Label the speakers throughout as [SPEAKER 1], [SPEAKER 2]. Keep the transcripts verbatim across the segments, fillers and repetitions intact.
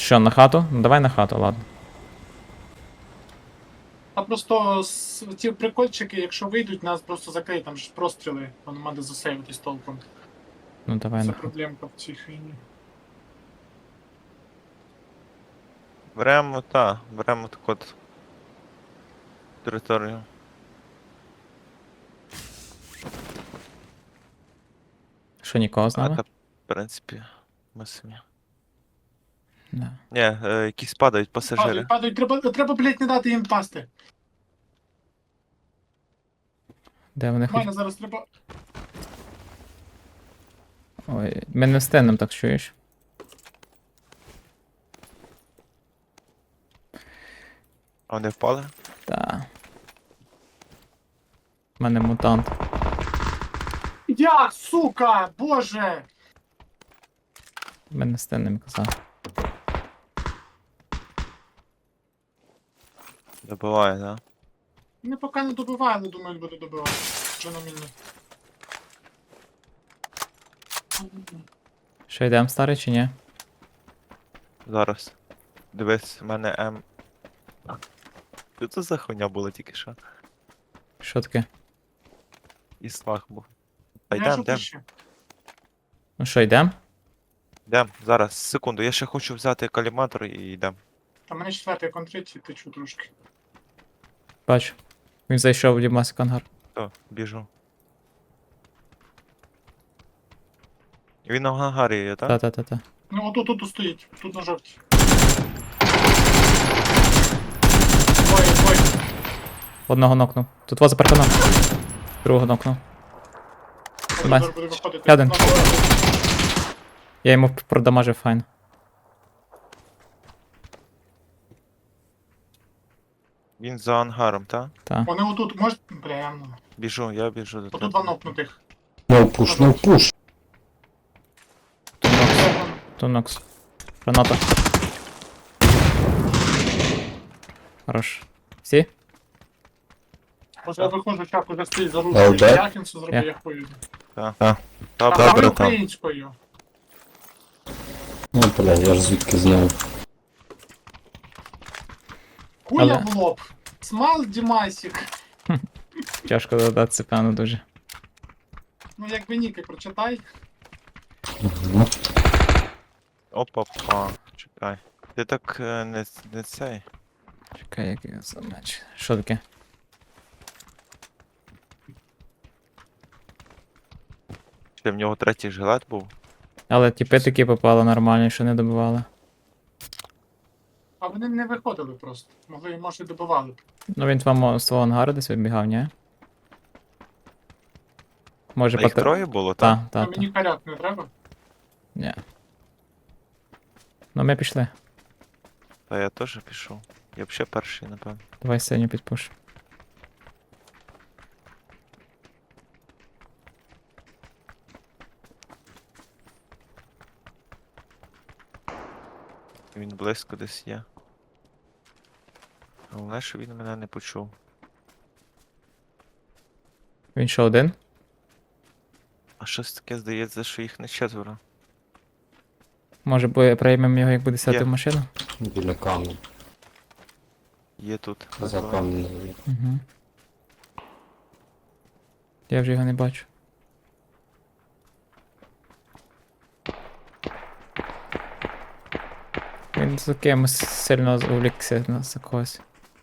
[SPEAKER 1] Що, на хату? Ну давай на хату, ладно.
[SPEAKER 2] А просто с- ті прикольчики, якщо вийдуть, нас просто закриють, там ж простріли, воно треба засейвитись толком.
[SPEAKER 1] Ну давай
[SPEAKER 2] Це
[SPEAKER 1] на хату.
[SPEAKER 2] проблемка в цій хвилі.
[SPEAKER 3] Беремо, та, беремо таку от територію.
[SPEAKER 1] Що, нікого з
[SPEAKER 3] А
[SPEAKER 1] нами?
[SPEAKER 3] та, в принципі, ми самі.
[SPEAKER 1] Да.
[SPEAKER 3] Ні, е, якісь падають пасажири.
[SPEAKER 2] Падають, падають, треба, треба, блядь, не дати їм пасти.
[SPEAKER 1] Де вони
[SPEAKER 2] У мене
[SPEAKER 1] хоч...
[SPEAKER 2] зараз треба.
[SPEAKER 1] Ой, ми не встигнемо, так чуєш?
[SPEAKER 3] А вони впали?
[SPEAKER 1] Та. У мене мутант.
[SPEAKER 2] Я, сука, боже!
[SPEAKER 1] Ми не встигнемо, казав.
[SPEAKER 3] Добиває, да?
[SPEAKER 2] Не поки не добиває, але думаю, буде добивати. Вже на мільні.
[SPEAKER 1] Що, йдемо старий чи ні?
[SPEAKER 3] Зараз. Дивись, в мене М. Що це за хуйня була тільки що?
[SPEAKER 1] Що таке?
[SPEAKER 3] І слаг був. Та
[SPEAKER 2] Я
[SPEAKER 3] йдем,
[SPEAKER 2] ж
[SPEAKER 3] йдем,
[SPEAKER 2] ще.
[SPEAKER 1] Ну що, йдемо?
[SPEAKER 3] йдем. Зараз, секунду, я ще хочу взяти каліматор і йдем.
[SPEAKER 2] Та мене четвертий контрить, течу трошки.
[SPEAKER 1] Бачу. Він зайшов в Дімасик ангар.
[SPEAKER 3] То, біжу. Він на ангарі є, так?
[SPEAKER 1] Та-та-та-та.
[SPEAKER 2] Ну отут тут стоїть, тут на жовтій. Двоє, двоє.
[SPEAKER 1] Одного нокнув. Тут вас за парканом. Другого нокнув.
[SPEAKER 2] Один
[SPEAKER 1] Бать.
[SPEAKER 2] зараз буде виходити.
[SPEAKER 1] Один.
[SPEAKER 2] На дорогу.
[SPEAKER 1] Я йому продамажив файн.
[SPEAKER 3] Він за ангаром, так?
[SPEAKER 1] Та.
[SPEAKER 2] Вони отут, може. Бля, ну.
[SPEAKER 3] Біжу, я біжу до
[SPEAKER 2] Отут
[SPEAKER 3] тебе.
[SPEAKER 2] два нокнутих.
[SPEAKER 4] No push, no push.
[SPEAKER 1] Тут нокс. Граната. Хорош. Всі?
[SPEAKER 2] Може я виходжу, чак уже стоїть за
[SPEAKER 4] А,
[SPEAKER 2] ручкою.
[SPEAKER 4] де?
[SPEAKER 2] Якінсу зроблю,
[SPEAKER 1] Я.
[SPEAKER 2] я хую.
[SPEAKER 3] Так.
[SPEAKER 4] А.
[SPEAKER 2] Та
[SPEAKER 3] Добре,
[SPEAKER 2] говори
[SPEAKER 3] братан.
[SPEAKER 2] українською.
[SPEAKER 4] Ну, бля, я ж звідки знаю.
[SPEAKER 2] Хуя
[SPEAKER 1] Але-
[SPEAKER 2] в лоб. Смал Дімасік.
[SPEAKER 1] Тяжко додатися, певно, дуже.
[SPEAKER 2] Ну якби ніки прочитай.
[SPEAKER 4] Мгм.
[SPEAKER 3] Опа-па, чекай. Ти так е, не, не цей.
[SPEAKER 1] Чекай, як я за меч. Що таке?
[SPEAKER 3] Ще в нього третій жилет був.
[SPEAKER 1] Але тіпи такі попали нормальні, що не добивали.
[SPEAKER 2] А вони не виходили просто. Могли, може, і добивали б.
[SPEAKER 1] Ну він вам з твого ангару десь вибігав, ні? Може
[SPEAKER 3] А їх
[SPEAKER 1] патер...
[SPEAKER 3] троє було, так?
[SPEAKER 1] Та,
[SPEAKER 2] А
[SPEAKER 1] та, та.
[SPEAKER 2] мені карят не треба.
[SPEAKER 1] Ні. Ну ми пішли.
[SPEAKER 3] Та я теж пішов. Я б ще перший, напевно.
[SPEAKER 1] Давай синю підпуш.
[SPEAKER 3] Він близько десь є. Головне, що він мене не почув.
[SPEAKER 1] Він що, один?
[SPEAKER 3] А щось таке здається, що їх не четверо.
[SPEAKER 1] Може бо приймемо його, як буде сяти
[SPEAKER 3] Є.
[SPEAKER 1] в машину?
[SPEAKER 4] Біля камня.
[SPEAKER 3] Є тут.
[SPEAKER 4] За камнем.
[SPEAKER 1] Угу. Я вже його не бачу. Він за кимось сильно увлікся на за когось.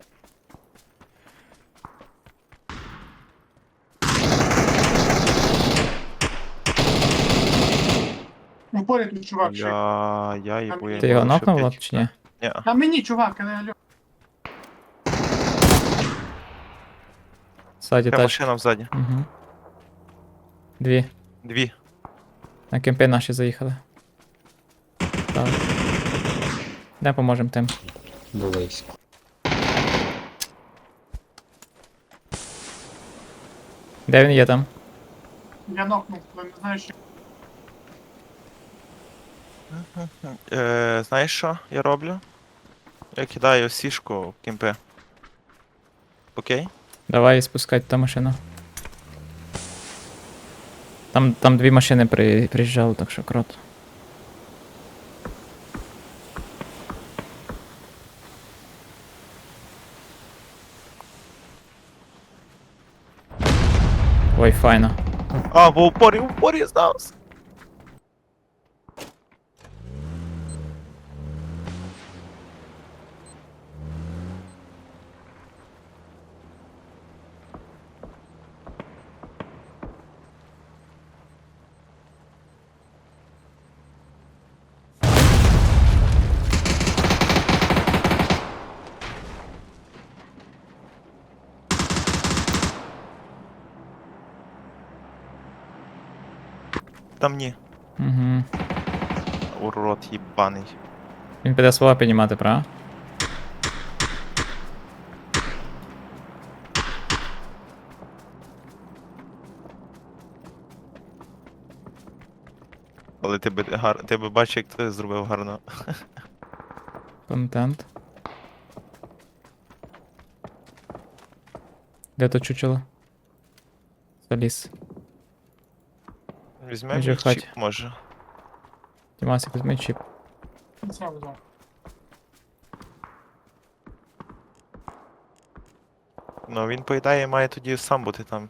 [SPEAKER 2] Ну, поряд тут чувак ще.
[SPEAKER 3] Я, я їбу, я
[SPEAKER 1] Ти його
[SPEAKER 3] їбу, ще
[SPEAKER 1] нокнув,
[SPEAKER 3] п'ять
[SPEAKER 1] Влад, чи ні?
[SPEAKER 3] Ні.
[SPEAKER 2] А мені, чувак, але алло.
[SPEAKER 1] Ззаді
[SPEAKER 3] Та
[SPEAKER 1] тачка.
[SPEAKER 3] машина взаді.
[SPEAKER 1] Угу. Дві.
[SPEAKER 3] Дві.
[SPEAKER 1] На кемпи наші заїхали. Так. Де поможемо тим?
[SPEAKER 4] Близько.
[SPEAKER 1] Де він є там?
[SPEAKER 2] Я нокнув, але не знаю, що.
[SPEAKER 3] Е, знаєш що я роблю? Я кидаю сішку в кімпи. Окей?
[SPEAKER 1] Давай спускати та машину. Там, там дві машини при, приїжджали, так що крот. Ой, файно.
[SPEAKER 3] А, в упорі, в упорі здався. Там ні.
[SPEAKER 1] Угу.
[SPEAKER 3] Урод їбаний.
[SPEAKER 1] Він піде слова піднімати, правда?
[SPEAKER 3] Але ти би, гар... ти би бачив, як ти зробив гарно.
[SPEAKER 1] Контент. Де то чучело? Заліз.
[SPEAKER 3] Візьмемо
[SPEAKER 1] Вже
[SPEAKER 3] мій
[SPEAKER 1] в хаті.
[SPEAKER 3] чіп, може.
[SPEAKER 1] Дімасик, візьми чіп.
[SPEAKER 2] Це взяв.
[SPEAKER 3] Ну він, по ідеї, має тоді сам бути там.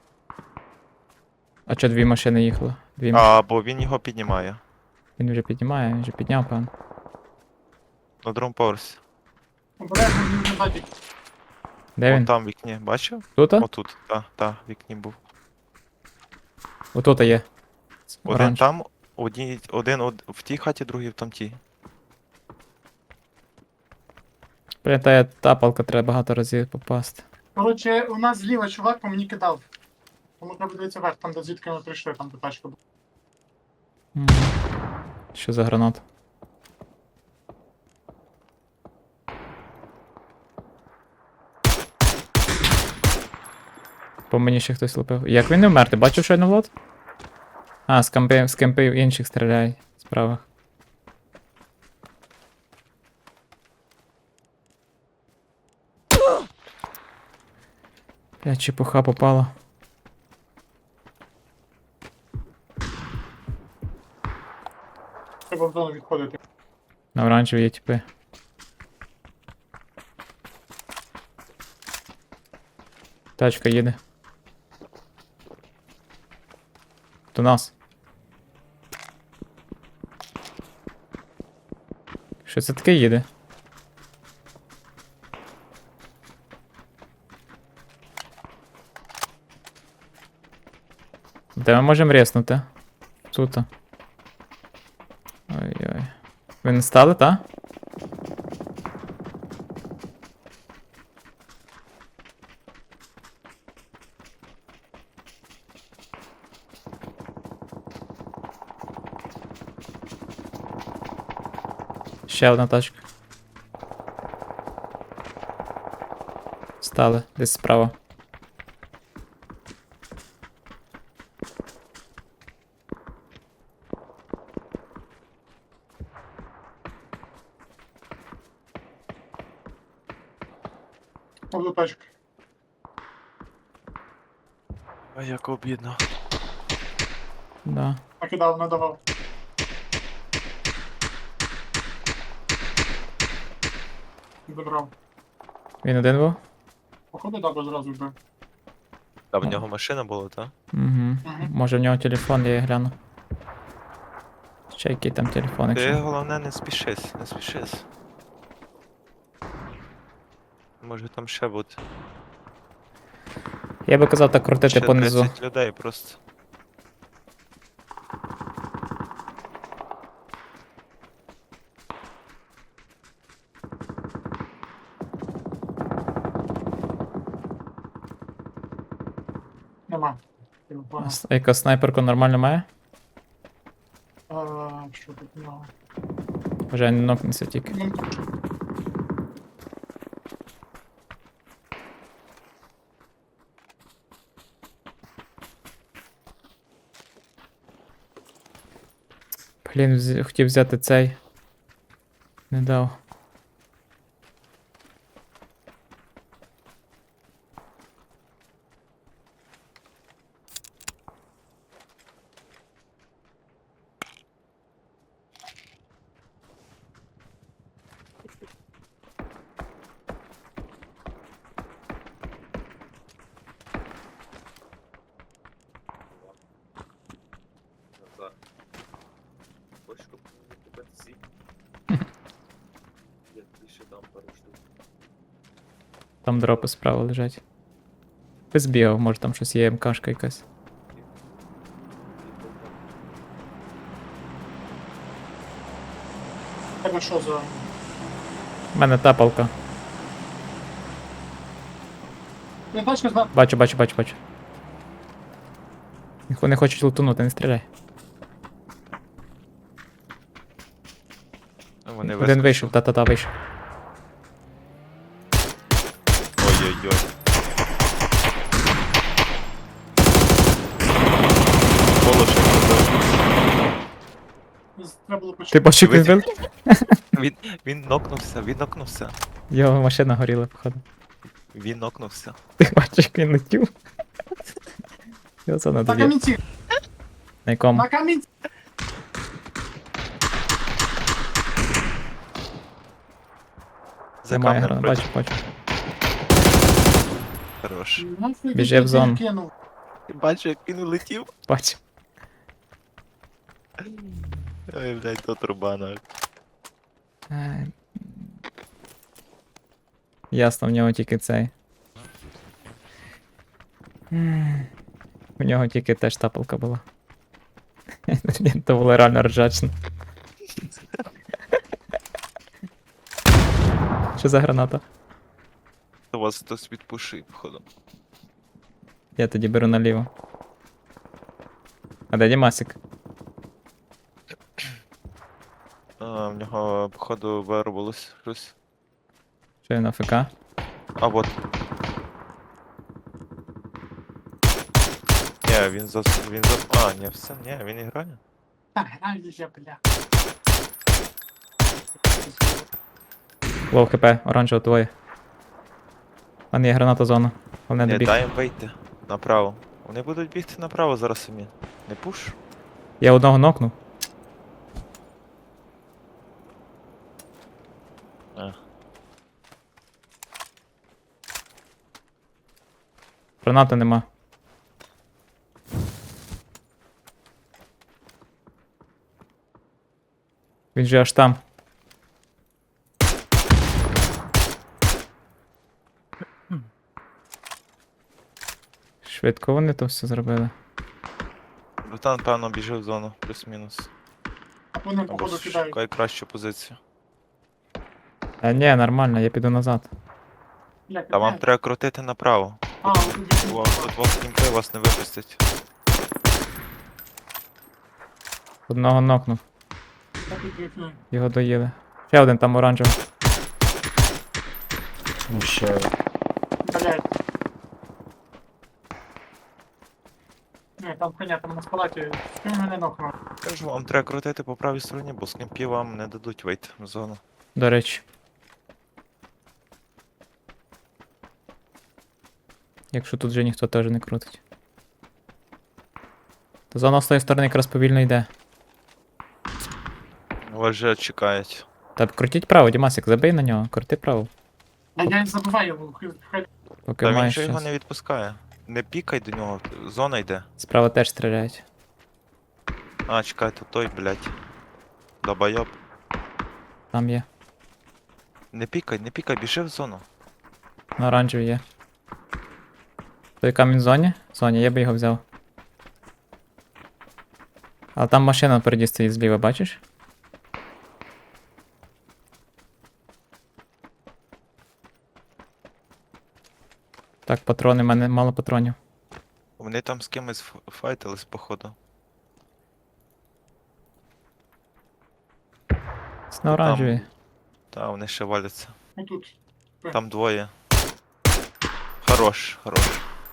[SPEAKER 1] А чо дві машини їхали? Дві машини.
[SPEAKER 3] А, бо він його піднімає.
[SPEAKER 1] Він вже піднімає, він вже підняв, певно.
[SPEAKER 3] На другому поверсі.
[SPEAKER 2] Обережно він не ззаді.
[SPEAKER 1] Де
[SPEAKER 3] Вон
[SPEAKER 1] він?
[SPEAKER 3] там в вікні, бачив?
[SPEAKER 1] Тут?
[SPEAKER 3] Отут, так, так, в вікні був.
[SPEAKER 1] Отут є.
[SPEAKER 3] Один
[SPEAKER 1] Оранж.
[SPEAKER 3] там, одні, один од... в тій хаті, другий в тамтій.
[SPEAKER 1] Блін, та тапалка треба багато разів попасти.
[SPEAKER 2] Коротше, у нас зліва чувак по мені кидав. Тому треба дивитися вверх, там де звідки ми прийшли, там де тачка була.
[SPEAKER 1] Мгм. Що за граната? По мені ще хтось лупив. Як він не вмер? Ти бачив щойно Влад? А, з кампи, з кемпи інших стріляє справа. Бля, чепуха попала.
[SPEAKER 2] Треба в зону відходити.
[SPEAKER 1] На оранжеві є тіпи. Тачка їде. До нас. Що це таке їде? Де ми можемо резнути? Тут. Ой-ой. Ви не стали, та? Ще одна тачка. Стали, десь справа.
[SPEAKER 2] Повду тачку.
[SPEAKER 3] А як обідно.
[SPEAKER 1] Да.
[SPEAKER 2] Накидав, надавав. Добрав.
[SPEAKER 1] Він один був?
[SPEAKER 2] Походу, дабо зразу вбив.
[SPEAKER 3] А в нього машина була, так?
[SPEAKER 1] Угу.
[SPEAKER 2] Мгм.
[SPEAKER 1] Може в нього телефон, я гляну. Ще який там телефон,
[SPEAKER 3] Ти
[SPEAKER 1] якщо.
[SPEAKER 3] головне не спішись, не спішись. Може там ще бути.
[SPEAKER 1] Я би казав так крутити
[SPEAKER 3] Ще
[SPEAKER 1] понизу.
[SPEAKER 3] тридцять людей просто.
[SPEAKER 2] Нема.
[SPEAKER 1] А с- яка снайперку нормально має?
[SPEAKER 2] А, що тут в нього?
[SPEAKER 1] Вже не нокнеться тільки.
[SPEAKER 2] Ну,
[SPEAKER 1] Блін, вз... хотів взяти цей. Не дав. Там дропи справа лежать. Ти збігав, може там щось є, МКшка якась.
[SPEAKER 2] Тебе що за...
[SPEAKER 1] У мене тапалка.
[SPEAKER 2] Не тачка зна...
[SPEAKER 1] Бачу, бачу, бачу, бачу. Ніхто не хочуть лутунути, не стріляй.
[SPEAKER 3] Вони
[SPEAKER 1] Один вийшов, та-та-та, вийшов.
[SPEAKER 3] Ой-ой-ой. Волошик зробив.
[SPEAKER 2] Треба було
[SPEAKER 1] Ти
[SPEAKER 2] почути.
[SPEAKER 1] бачив, як він
[SPEAKER 3] Дивись.
[SPEAKER 1] бив?
[SPEAKER 3] Він, він нокнувся, він нокнувся.
[SPEAKER 1] Його машина горіла, походу.
[SPEAKER 3] Він нокнувся.
[SPEAKER 1] Ти бачиш, як він летів? Його це
[SPEAKER 2] На
[SPEAKER 1] надо.
[SPEAKER 2] камінці!
[SPEAKER 1] На якому?
[SPEAKER 2] На камінці!
[SPEAKER 3] За
[SPEAKER 1] Немає
[SPEAKER 3] камнем
[SPEAKER 1] грана,
[SPEAKER 3] проти.
[SPEAKER 1] бачу, бачу.
[SPEAKER 3] Хорош.
[SPEAKER 2] Нахуй
[SPEAKER 1] Біжи
[SPEAKER 2] ти
[SPEAKER 1] в зону.
[SPEAKER 2] кинув?
[SPEAKER 3] Ти бачиш, як він улетів?
[SPEAKER 1] Бачу.
[SPEAKER 3] Ой, блядь, то турбана.
[SPEAKER 1] Е, Ясно, в нього тільки цей. М, У нього тільки теж тапалка була. То було реально ржачно. Що за граната?
[SPEAKER 3] У вас хтось відпушив, походу.
[SPEAKER 1] Я тоді беру наліво. А де Дімасик?
[SPEAKER 3] А, в нього, походу, вирвалось щось.
[SPEAKER 1] Що він АФК?
[SPEAKER 3] А вот. Ні, він за... він за... А, ні, все, ні, він не грає.
[SPEAKER 2] Так, граю я, бля.
[SPEAKER 1] Лоу хп, оранжево твоє. У мене є граната зона. Головне
[SPEAKER 3] Ні,
[SPEAKER 1] добігти.
[SPEAKER 3] дай їм вийти направо. Вони будуть бігти направо зараз самі. Не пуш?
[SPEAKER 1] Я одного нокнув.
[SPEAKER 3] А.
[SPEAKER 1] Гранати нема. Він же аж там. Швидко вони то все зробили.
[SPEAKER 3] Братан, певно, біжив в зону, плюс-мінус.
[SPEAKER 2] Вони,
[SPEAKER 3] Або
[SPEAKER 2] походу, кидають.
[SPEAKER 3] шукай кращу позицію.
[SPEAKER 1] А ні, нормально, я піду назад.
[SPEAKER 2] Бля,
[SPEAKER 3] Та вам
[SPEAKER 2] кидають.
[SPEAKER 3] треба крутити направо.
[SPEAKER 2] А, от тут
[SPEAKER 3] Бо тут вас кімпи вас не випустять.
[SPEAKER 1] Одного нокнув.
[SPEAKER 2] Так і крикну.
[SPEAKER 1] Його доїли. Ще один там оранжевий.
[SPEAKER 4] Ну, ще
[SPEAKER 2] Блядь. Ні, там коня, там на палаті. З ким мене нокнув?
[SPEAKER 3] Кажу, вам треба крутити по правій стороні, бо з кімпів вам не дадуть вийти в зону.
[SPEAKER 1] До речі. Якщо тут вже ніхто теж не крутить. То зона з тої сторони якраз повільно йде.
[SPEAKER 3] Вас вже чекають.
[SPEAKER 1] Та крутіть право, Дімасик, забий на нього, крути право.
[SPEAKER 2] А я не забуваю його. хай- хай-
[SPEAKER 1] Поки
[SPEAKER 3] Та він
[SPEAKER 1] маєш
[SPEAKER 3] же його
[SPEAKER 1] час.
[SPEAKER 3] не відпускає. Не пікай до нього, зона йде.
[SPEAKER 1] Справа теж стріляють.
[SPEAKER 3] А, чекайте, той, блядь. Долбойоб.
[SPEAKER 1] Там є.
[SPEAKER 3] Не пікай, не пікай, біжи в зону.
[SPEAKER 1] На оранжевій є. Той камінь в зоні? В зоні, я би його взяв. Але там машина впереді стоїть зліва, бачиш? Так, патрони, в мене мало патронів.
[SPEAKER 3] Вони там з кимось ф- файтились, походу.
[SPEAKER 1] Це на оранжевій.
[SPEAKER 3] Та, вони ще валяться.
[SPEAKER 2] Отут.
[SPEAKER 3] Там двоє. Хорош, хорош.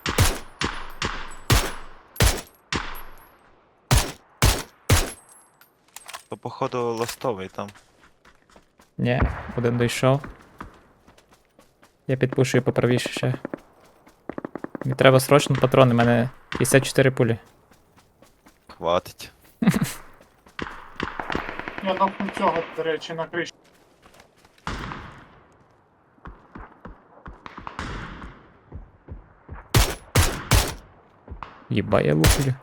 [SPEAKER 3] То, походу, ластовий там.
[SPEAKER 1] Ні, один дійшов. Я підпушую поправіше ще. Мені треба срочно патрони, у мене п'ятдесят чотири пулі.
[SPEAKER 3] Хватить.
[SPEAKER 2] Я нокнув цього, до речі, на криші.
[SPEAKER 1] Єба, я луплю.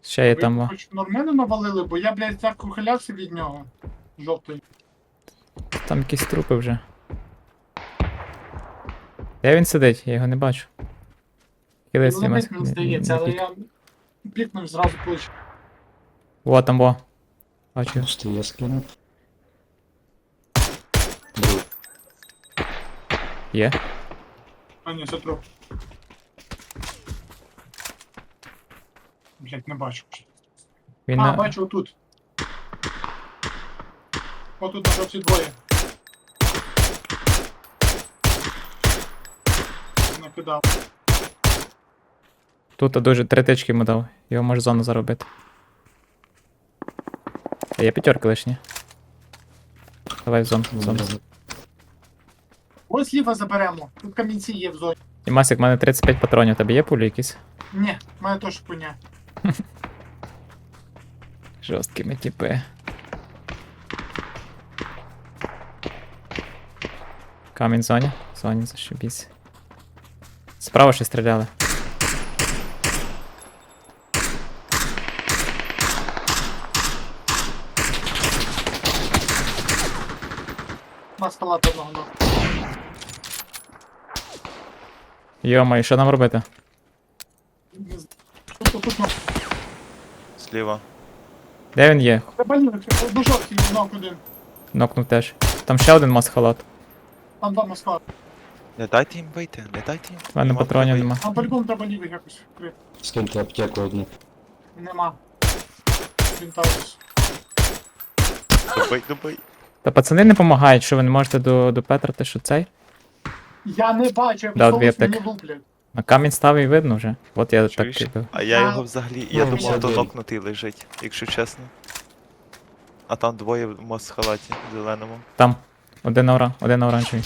[SPEAKER 1] Ще є
[SPEAKER 2] Ви
[SPEAKER 1] там. о.
[SPEAKER 2] хоч нормально навалили, бо я, блядь, так ухилявся від нього. Жовтий.
[SPEAKER 1] Там якісь трупи вже. Де він сидить? Я його не бачу. Кидайся,
[SPEAKER 2] Ну,
[SPEAKER 1] Мас-
[SPEAKER 2] не мені здається, але
[SPEAKER 1] не-
[SPEAKER 2] я пікнув зразу плечі.
[SPEAKER 1] Во там, во. Бачу.
[SPEAKER 4] Просто я скинув. Друг.
[SPEAKER 1] Є.
[SPEAKER 2] А ні, це труп. Блядь, не бачу.
[SPEAKER 1] Він
[SPEAKER 2] А,
[SPEAKER 1] на...
[SPEAKER 2] бачу отут. Отут на жовті двоє. Накидав.
[SPEAKER 1] Тут дуже три тички йому дав. Його може зону заробити. А є п'ятерки лишні. Давай в зону. В зону.
[SPEAKER 2] Ось ліва заберемо. Тут камінці є в зоні.
[SPEAKER 1] І Масик, в мене тридцять п'ять патронів. Тебе є пулі якісь?
[SPEAKER 2] Ні, в мене теж пуня.
[SPEAKER 1] Жорсткі ми тіпи. Камінь в зоні. В зоні зашибісь. Справа ще стріляли.
[SPEAKER 2] На палата одного ног.
[SPEAKER 1] Йома, і що нам робити?
[SPEAKER 2] Тут, тут, ног.
[SPEAKER 3] Зліва.
[SPEAKER 1] Де він є?
[SPEAKER 2] Треба лівий, одну жовтий ног один.
[SPEAKER 1] Нокнув теж. Там ще один масхалат.
[SPEAKER 2] Там два москва.
[SPEAKER 3] Не дайте їм вийти, не дайте їм.
[SPEAKER 1] У мене
[SPEAKER 3] Їм
[SPEAKER 1] патронів
[SPEAKER 3] треба
[SPEAKER 1] нема.
[SPEAKER 2] Там по-любому треба лівий якось вкрити.
[SPEAKER 4] Скиньте аптеку одну.
[SPEAKER 2] Нема. Вінтаус.
[SPEAKER 3] йти. Добий, добий.
[SPEAKER 1] Та пацани не допомагають, що ви не можете до, до Петра, що цей?
[SPEAKER 2] Я не бачу, я
[SPEAKER 1] Да, дві
[SPEAKER 2] висовуюсь, мені
[SPEAKER 1] аптеки.
[SPEAKER 2] луплять.
[SPEAKER 1] На камінь став і видно вже. От я
[SPEAKER 3] Чуєш?
[SPEAKER 1] так робив.
[SPEAKER 3] А я
[SPEAKER 2] А,
[SPEAKER 3] його взагалі. Я
[SPEAKER 4] ну,
[SPEAKER 3] думав, то
[SPEAKER 4] молодий.
[SPEAKER 3] нокнутий лежить, якщо чесно. А там двоє в мосхалаті зеленому.
[SPEAKER 1] Там. Один на ора, один на оранжевій.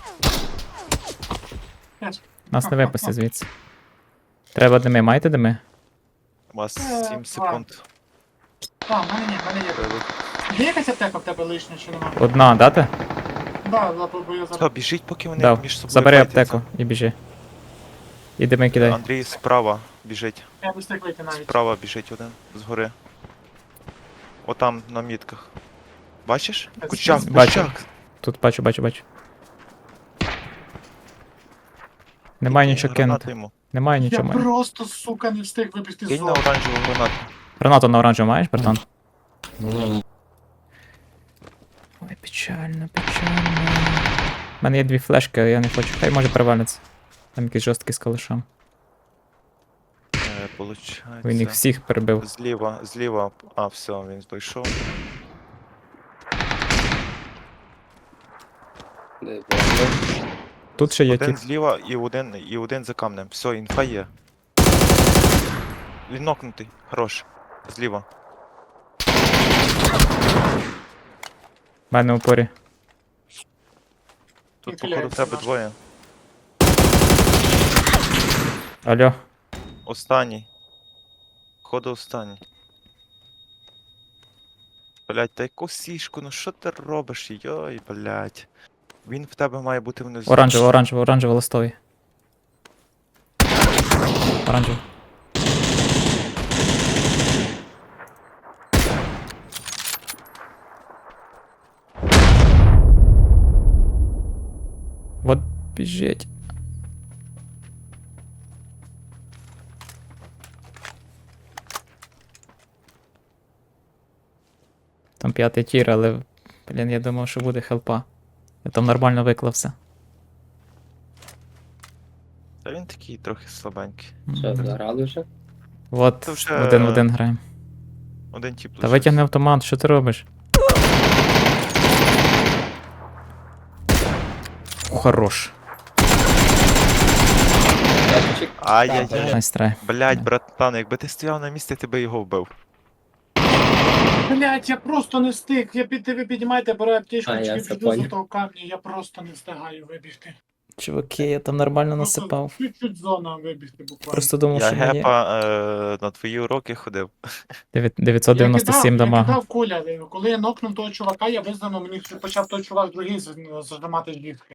[SPEAKER 2] Теж.
[SPEAKER 1] Нас не випусти звідси. Треба дими, маєте дими?
[SPEAKER 3] У вас
[SPEAKER 2] Е,
[SPEAKER 3] сім секунд.
[SPEAKER 2] А, в мене ні, в мене є.
[SPEAKER 3] Треба.
[SPEAKER 2] Є якась аптека в тебе лишня чи нема?
[SPEAKER 1] Одна, дати?
[SPEAKER 2] Да, да, бо я
[SPEAKER 3] Та,
[SPEAKER 2] зараз.
[SPEAKER 3] біжіть, поки вони
[SPEAKER 1] Дав.
[SPEAKER 3] між собою
[SPEAKER 1] Забери
[SPEAKER 3] файтяться.
[SPEAKER 1] аптеку і біжи. І дими кидай.
[SPEAKER 3] Андрій справа біжить.
[SPEAKER 2] Я не встиг вийти навіть.
[SPEAKER 3] Справа біжить один згори. Отам на мітках. Бачиш?
[SPEAKER 2] Е,
[SPEAKER 3] Кучак,
[SPEAKER 1] бачу.
[SPEAKER 3] кучак.
[SPEAKER 1] Тут бачу, бачу, бачу. Немає нічого
[SPEAKER 3] Гранату
[SPEAKER 1] кинути.
[SPEAKER 3] йому.
[SPEAKER 1] Немає
[SPEAKER 2] Я
[SPEAKER 1] нічого. маю.
[SPEAKER 2] просто, сука, не встиг вибігти з
[SPEAKER 3] Кинь на
[SPEAKER 2] зони.
[SPEAKER 3] оранжеву гранату.
[SPEAKER 1] Гранату на оранжеву маєш, братан?
[SPEAKER 4] Ні,
[SPEAKER 1] Ой, печально, печально. У мене є дві флешки, я не хочу. Хай може перевалиться. Там якийсь жорсткий з калашом.
[SPEAKER 3] Е,
[SPEAKER 1] Він їх
[SPEAKER 3] Получається.
[SPEAKER 1] всіх перебив.
[SPEAKER 3] Зліва, зліва. А, все, він дійшов.
[SPEAKER 1] Тут ще є
[SPEAKER 3] Один
[SPEAKER 1] тіп.
[SPEAKER 3] зліва і один, і один за камнем. Все, інфа є. Він нокнутий. Хорош. Зліва.
[SPEAKER 1] У мене в упорі.
[SPEAKER 3] Тут,
[SPEAKER 2] Він
[SPEAKER 3] походу, в
[SPEAKER 2] хиляється
[SPEAKER 3] тебе
[SPEAKER 2] наш.
[SPEAKER 3] двоє.
[SPEAKER 1] Алло.
[SPEAKER 3] Останній. Походу, останній. Блять, та яку сішку, ну що ти робиш? Йой, блять. Він в тебе має бути внизу.
[SPEAKER 1] Оранжево, оранжево, оранжево листовий. Оранжево. Вот біжить. Там п'ятий тір, але, блін, я думав, що буде хелпа. Я там нормально виклався.
[SPEAKER 3] Та він такий трохи слабенький.
[SPEAKER 4] Що, заграли вже?
[SPEAKER 1] От,
[SPEAKER 3] Це вже-
[SPEAKER 1] один в один граємо.
[SPEAKER 3] Один тіп
[SPEAKER 1] Та
[SPEAKER 3] лишився.
[SPEAKER 1] витягни автомат, що ти робиш? Хорош.
[SPEAKER 3] Ай-яй-яй.
[SPEAKER 1] Найс трай.
[SPEAKER 3] Блять, братан, якби ти стояв на місці, ти би його вбив.
[SPEAKER 2] Блять, я просто не встиг. Я під ви піднімайте, беру аптечку,
[SPEAKER 4] А, я
[SPEAKER 2] чи
[SPEAKER 4] це
[SPEAKER 2] піду за
[SPEAKER 4] поняв.
[SPEAKER 2] того камня, я просто не встигаю вибігти.
[SPEAKER 1] Чуваки, я там нормально
[SPEAKER 2] Просто
[SPEAKER 1] насипав.
[SPEAKER 2] чуть-чуть зона вибігти буквально.
[SPEAKER 1] Просто думав,
[SPEAKER 3] Я
[SPEAKER 1] що мені
[SPEAKER 3] гепа е, на твої уроки ходив.
[SPEAKER 1] дев'ять- дев'ятсот дев'яносто сім
[SPEAKER 2] я
[SPEAKER 1] дамага.
[SPEAKER 2] кидав куля. Коли я нокнув того чувака, я визнано, мені почав той чувак другий з- зажимати жлівки.